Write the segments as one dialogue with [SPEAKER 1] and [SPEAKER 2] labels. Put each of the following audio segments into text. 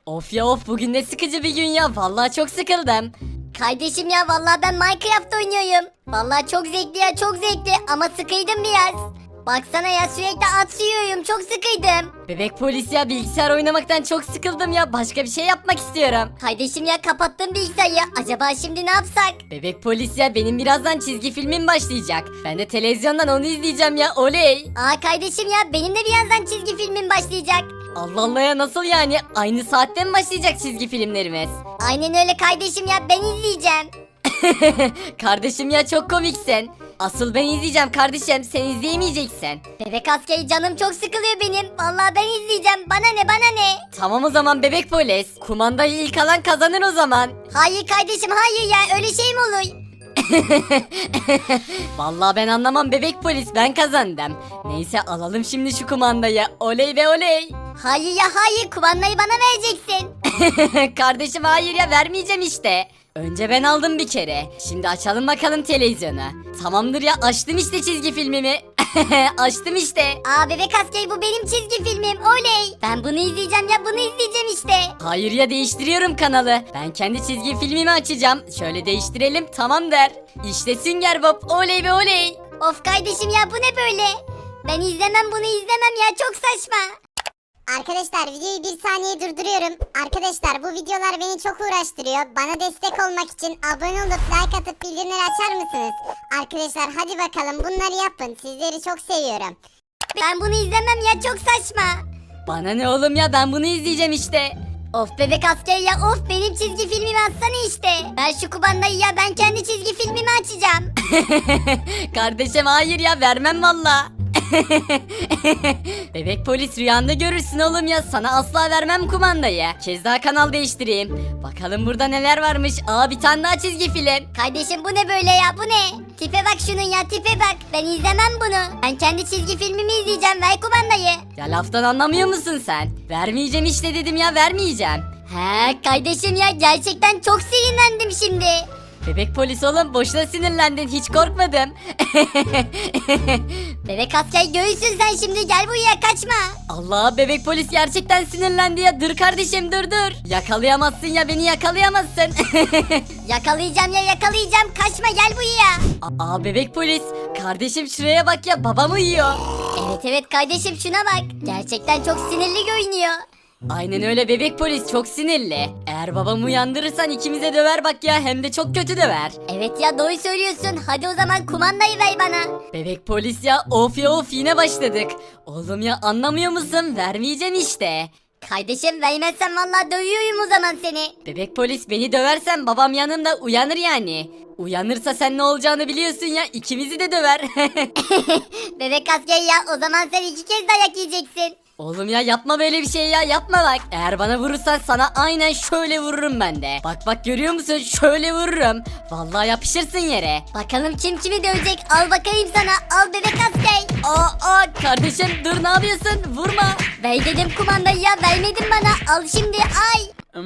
[SPEAKER 1] Of ya of, bugün ne sıkıcı bir gün ya. Vallahi çok sıkıldım.
[SPEAKER 2] Kardeşim ya vallahi ben Minecraft oynuyorum. Vallahi çok zevkli ya, çok zevkli ama sıkıydım biraz. Baksana ya, sürekli at yiyorum, çok sıkıydım.
[SPEAKER 1] Bebek polis ya, bilgisayar oynamaktan çok sıkıldım ya. Başka bir şey yapmak istiyorum.
[SPEAKER 2] Kardeşim ya, kapattım bilgisayarı. Acaba şimdi ne yapsak?
[SPEAKER 1] Bebek polis ya, benim birazdan çizgi filmim başlayacak. Ben de televizyondan onu izleyeceğim ya, oley.
[SPEAKER 2] Kardeşim ya, benim de birazdan çizgi filmim başlayacak.
[SPEAKER 1] Allah Allah ya, nasıl yani? Aynı saatte mi başlayacak çizgi filmlerimiz?
[SPEAKER 2] Aynen öyle kardeşim ya, ben izleyeceğim.
[SPEAKER 1] Kardeşim ya, çok komiksin. Asıl ben izleyeceğim kardeşim, sen izleyemeyeceksin.
[SPEAKER 2] Bebek askeri, canım çok sıkılıyor benim. Vallahi ben izleyeceğim. Bana ne, bana ne?
[SPEAKER 1] Tamam o zaman bebek polis. Kumandayı ilk alan kazanır o zaman.
[SPEAKER 2] Hayır kardeşim, hayır ya, öyle şey mi olur?
[SPEAKER 1] Vallahi ben anlamam bebek polis, ben kazandım. Neyse, alalım şimdi şu kumandayı. Oley ve oley.
[SPEAKER 2] Hayır ya hayır, kumandayı bana vereceksin.
[SPEAKER 1] Kardeşim hayır ya, vermeyeceğim işte. Önce ben aldım bir kere. Şimdi açalım bakalım televizyonu. Tamamdır ya, açtım işte çizgi filmimi. Açtım işte.
[SPEAKER 2] Bebek askeri, bu benim çizgi filmim, oley. Ben bunu izleyeceğim ya, bunu izleyeceğim işte.
[SPEAKER 1] Hayır ya, değiştiriyorum kanalı. Ben kendi çizgi filmimi açacağım. Şöyle değiştirelim, tamam der. İşte Sünger Bob, oley ve oley.
[SPEAKER 2] Of kardeşim ya, bu ne böyle? Ben izlemem, bunu izlemem ya, çok saçma.
[SPEAKER 3] Arkadaşlar videoyu bir saniye durduruyorum. Arkadaşlar bu videolar beni çok uğraştırıyor. Bana destek olmak için abone olup like atıp bildirimleri açar mısınız? Arkadaşlar hadi bakalım bunları yapın. Sizleri çok seviyorum.
[SPEAKER 2] Ben bunu izlemem ya, çok saçma.
[SPEAKER 1] Bana ne oğlum ya, ben bunu izleyeceğim işte.
[SPEAKER 2] Of bebek askeri ya, of benim çizgi filmimi açsana işte. Ben şu kumandayı ya, ben kendi çizgi filmimi açacağım.
[SPEAKER 1] Kardeşim hayır ya, vermem valla. Bebek polis, rüyanda görürsün oğlum ya, sana asla vermem kumandayı. Kez daha kanal değiştireyim. Bakalım burada neler varmış. Bir tane daha çizgi film.
[SPEAKER 2] Kardeşim bu ne böyle ya, bu ne? Tipe bak şunun ya, tipe bak. Ben izlemem bunu. Ben kendi çizgi filmimi izleyeceğim, ver kumandayı.
[SPEAKER 1] Ya laftan anlamıyor musun sen? Vermeyeceğim işte dedim ya, vermeyeceğim.
[SPEAKER 2] Kardeşim ya, gerçekten çok sinirlendim şimdi.
[SPEAKER 1] Bebek polis oğlum, boşuna sinirlendin, hiç korkmadım.
[SPEAKER 2] Bebek asker, göğüsün sen şimdi, gel buraya, kaçma.
[SPEAKER 1] Allah, bebek polis gerçekten sinirlendi ya, dur kardeşim dur. Yakalayamazsın ya, beni yakalayamazsın.
[SPEAKER 2] Yakalayacağım ya, yakalayacağım, kaçma, gel buraya.
[SPEAKER 1] Bebek polis, kardeşim şuraya bak ya, babam uyuyor.
[SPEAKER 2] Evet kardeşim, şuna bak. Gerçekten çok sinirli görünüyor.
[SPEAKER 1] Aynen öyle bebek polis, çok sinirli. Eğer babamı uyandırırsan ikimize döver bak ya, hem de çok kötü döver.
[SPEAKER 2] Evet ya, doğru söylüyorsun. Hadi o zaman kumandayı ver bana.
[SPEAKER 1] Bebek polis ya, of ya of, yine başladık. Oğlum ya, anlamıyor musun? Vermeyeceğim işte.
[SPEAKER 2] Kardeşim, vermezsen vallahi dövüyorum o zaman seni.
[SPEAKER 1] Bebek polis, beni döversen babam yanımda uyanır yani. Uyanırsa sen ne olacağını biliyorsun ya, ikimizi de döver.
[SPEAKER 2] Bebek asker ya, o zaman sen 2 kez dayak yiyeceksin.
[SPEAKER 1] Oğlum ya, yapma böyle bir şey ya, yapma bak. Eğer bana vurursan sana aynen şöyle vururum ben de. Bak görüyor musun, şöyle vururum. Vallahi yapışırsın yere.
[SPEAKER 2] Bakalım kim kimi dövecek, al bakayım sana, al bebek asker.
[SPEAKER 1] Kardeşim dur, ne yapıyorsun, vurma.
[SPEAKER 2] Ver dedim kumandayı ya, vermedin bana, al şimdi, ay.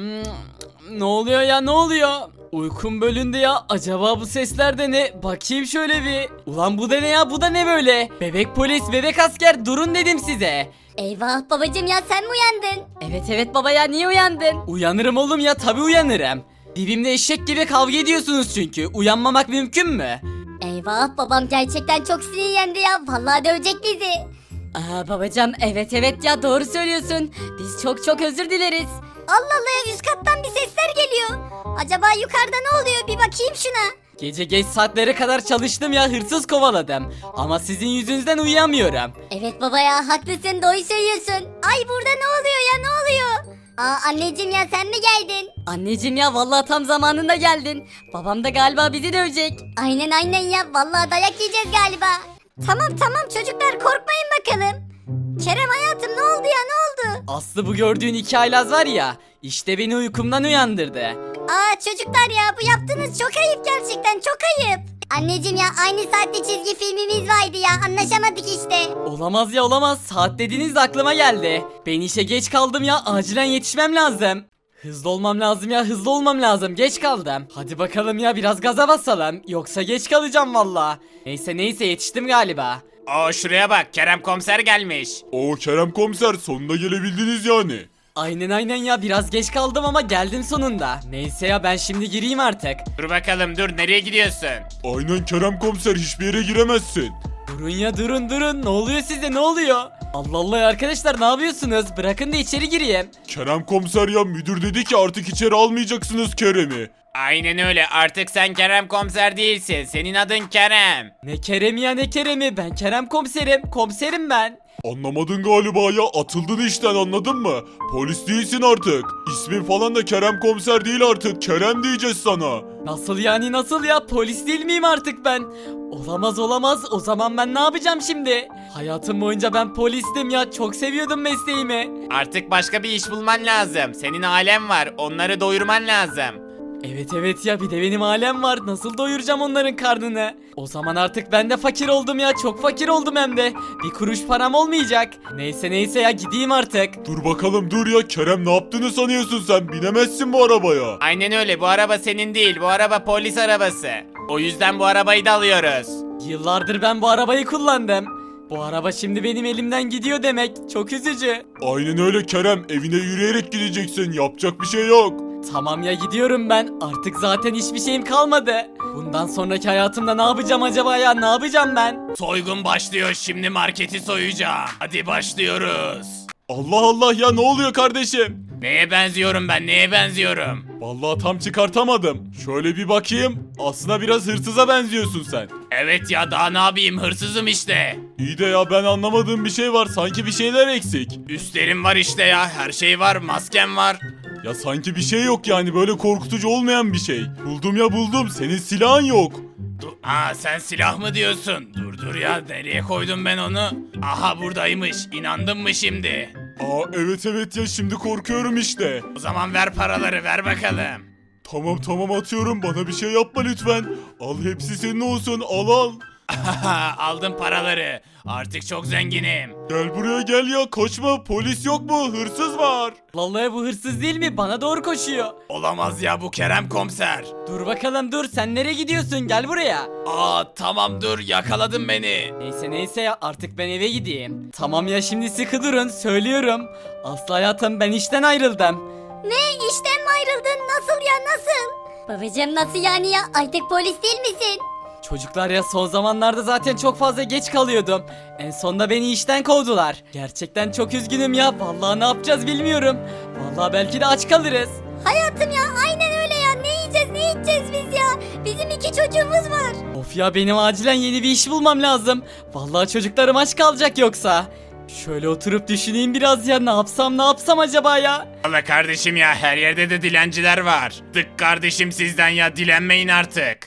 [SPEAKER 4] Ne oluyor ya, ne oluyor? Uykum bölündü ya. Acaba bu sesler de ne? Bakayım şöyle bir. Ulan bu da ne ya? Bu da ne böyle? Bebek polis, bebek asker, durun dedim size.
[SPEAKER 2] Eyvah babacım ya, sen mi uyandın?
[SPEAKER 1] Evet baba ya, niye uyandın?
[SPEAKER 4] Uyanırım oğlum ya, tabi uyanırım. Dibimde eşek gibi kavga ediyorsunuz çünkü. Uyanmamak mümkün mü?
[SPEAKER 2] Eyvah, babam gerçekten çok sinirlendi ya, vallahi dövecek bizi.
[SPEAKER 1] Babacım, evet ya, doğru söylüyorsun. Biz çok özür dileriz.
[SPEAKER 2] Allah Allah ya, üst kattan bir sesler geliyor. Acaba yukarıda ne oluyor, bir bakayım şuna.
[SPEAKER 4] Gece geç saatlere kadar çalıştım ya, hırsız kovaladım. Ama sizin yüzünüzden uyuyamıyorum.
[SPEAKER 2] Evet baba ya, haklısın, doğru söylüyorsun. Ay, burada ne oluyor ya, ne oluyor? Anneciğim ya, sen mi geldin?
[SPEAKER 1] Anneciğim ya, vallahi tam zamanında geldin. Babam da galiba bizi dövecek.
[SPEAKER 2] Aynen ya, vallahi dayak yiyeceğiz galiba. Tamam çocuklar, korkmayın bakalım. Kerem hayatım, ne oldu ya, ne oldu?
[SPEAKER 4] Aslı, bu gördüğün 2 haylaz var ya, işte beni uykumdan uyandırdı.
[SPEAKER 2] Çocuklar ya, bu yaptığınız çok ayıp, gerçekten çok ayıp. Anneciğim ya, aynı saatte çizgi filmimiz vardı ya, anlaşamadık işte.
[SPEAKER 4] Olamaz ya, olamaz. Saat dediğiniz de aklıma geldi. Ben işe geç kaldım ya, acilen yetişmem lazım. Hızlı olmam lazım ya, hızlı olmam lazım, geç kaldım. Hadi bakalım ya, biraz gaza basalım, yoksa geç kalacağım valla. Neyse yetiştim galiba.
[SPEAKER 5] Şuraya bak, Kerem komiser gelmiş.
[SPEAKER 6] Kerem komiser, sonunda gelebildiniz yani.
[SPEAKER 4] Aynen ya biraz geç kaldım ama geldim sonunda. Neyse ya ben şimdi gireyim artık.
[SPEAKER 5] Dur bakalım dur nereye gidiyorsun?
[SPEAKER 6] Aynen Kerem komiser, hiçbir yere giremezsin.
[SPEAKER 4] Durun ya durun ne oluyor size ne oluyor? Allah Allah ya arkadaşlar ne yapıyorsunuz? Bırakın da içeri gireyim.
[SPEAKER 6] Kerem komiser ya, müdür dedi ki artık içeri almayacaksınız Kerem'i.
[SPEAKER 5] Aynen öyle, artık sen Kerem komiser değilsin, senin adın Kerem.
[SPEAKER 4] Ne Kerem'i ya ne Kerem'i, ben Kerem komiserim ben.
[SPEAKER 6] Anlamadın galiba ya, atıldın işten, anladın mı? Polis değilsin artık. İsmin falan da Kerem komiser değil artık, Kerem diyeceğiz sana.
[SPEAKER 4] Nasıl yani nasıl ya, polis değil miyim artık ben? Olamaz o zaman ben ne yapacağım şimdi? Hayatım boyunca ben polistim ya, çok seviyordum mesleğimi.
[SPEAKER 5] Artık başka bir iş bulman lazım, senin ailen var, onları doyurman lazım.
[SPEAKER 4] Evet ya bir de benim ailem var, nasıl doyuracağım onların karnını? O zaman artık ben de fakir oldum ya, çok fakir oldum hem de. Bir kuruş param olmayacak. Neyse ya gideyim artık.
[SPEAKER 6] Dur bakalım dur ya, Kerem ne yaptığını sanıyorsun sen, binemezsin bu arabaya.
[SPEAKER 5] Aynen öyle, bu araba senin değil, bu araba polis arabası. O yüzden bu arabayı da alıyoruz.
[SPEAKER 4] Yıllardır ben bu arabayı kullandım. Bu araba şimdi benim elimden gidiyor demek, çok üzücü.
[SPEAKER 6] Aynen öyle Kerem, evine yürüyerek gideceksin, yapacak bir şey yok.
[SPEAKER 4] Tamam ya gidiyorum ben. Artık zaten hiçbir şeyim kalmadı. Bundan sonraki hayatımda ne yapacağım acaba ya? Ne yapacağım ben?
[SPEAKER 5] Soygun başlıyor, şimdi marketi soyacağım. Hadi başlıyoruz.
[SPEAKER 6] Allah Allah ya, ne oluyor kardeşim?
[SPEAKER 5] Neye benziyorum ben, neye benziyorum?
[SPEAKER 6] Vallahi tam çıkartamadım. Şöyle bir bakayım. Aslında biraz hırsıza benziyorsun sen.
[SPEAKER 5] Evet ya, daha ne yapayım, hırsızım işte.
[SPEAKER 6] İyi de ya, ben anlamadığım bir şey var. Sanki bir şeyler eksik.
[SPEAKER 5] Üstlerim var işte ya, her şey var, maskem var.
[SPEAKER 6] Ya sanki bir şey yok yani, böyle korkutucu olmayan bir şey. Buldum ya buldum. Senin silahın yok.
[SPEAKER 5] Aa, sen silah mı diyorsun? Dur ya, nereye koydum ben onu? Aha, buradaymış, inandın mı şimdi?
[SPEAKER 6] Aa evet ya, şimdi korkuyorum işte.
[SPEAKER 5] O zaman ver paraları, ver bakalım.
[SPEAKER 6] Tamam atıyorum, bana bir şey yapma lütfen. Al, hepsi senin olsun, al.
[SPEAKER 5] Aldım paraları, artık çok zenginim.
[SPEAKER 6] Gel buraya gel ya, kaçma, polis yok mu, hırsız var.
[SPEAKER 4] Vallahi bu hırsız değil mi? Bana doğru koşuyor.
[SPEAKER 5] Olamaz ya, bu Kerem komiser.
[SPEAKER 4] Dur bakalım dur, sen nereye gidiyorsun? Gel buraya.
[SPEAKER 5] Aa tamam, dur, yakaladın beni.
[SPEAKER 4] Neyse ya artık ben eve gideyim. Tamam ya şimdi sıkı durun, söylüyorum. Aslı hayatım, ben işten ayrıldım.
[SPEAKER 2] Ne, işten mi ayrıldın? Nasıl ya, nasıl? Babacım nasıl yani ya, artık polis değil misin?
[SPEAKER 4] Çocuklar ya, son zamanlarda zaten çok fazla geç kalıyordum. En sonunda beni işten kovdular. Gerçekten çok üzgünüm ya. Vallahi ne yapacağız bilmiyorum. Vallahi belki de aç kalırız.
[SPEAKER 2] Hayatım ya, aynen öyle ya, ne yiyeceğiz ne içeceğiz biz ya? Bizim 2 çocuğumuz var.
[SPEAKER 4] Of ya, benim acilen yeni bir iş bulmam lazım. Vallahi çocuklarım aç kalacak yoksa. Şöyle oturup düşüneyim biraz ya, ne yapsam acaba ya?
[SPEAKER 5] Valla kardeşim ya, her yerde de dilenciler var. Tık kardeşim sizden ya, dilenmeyin artık.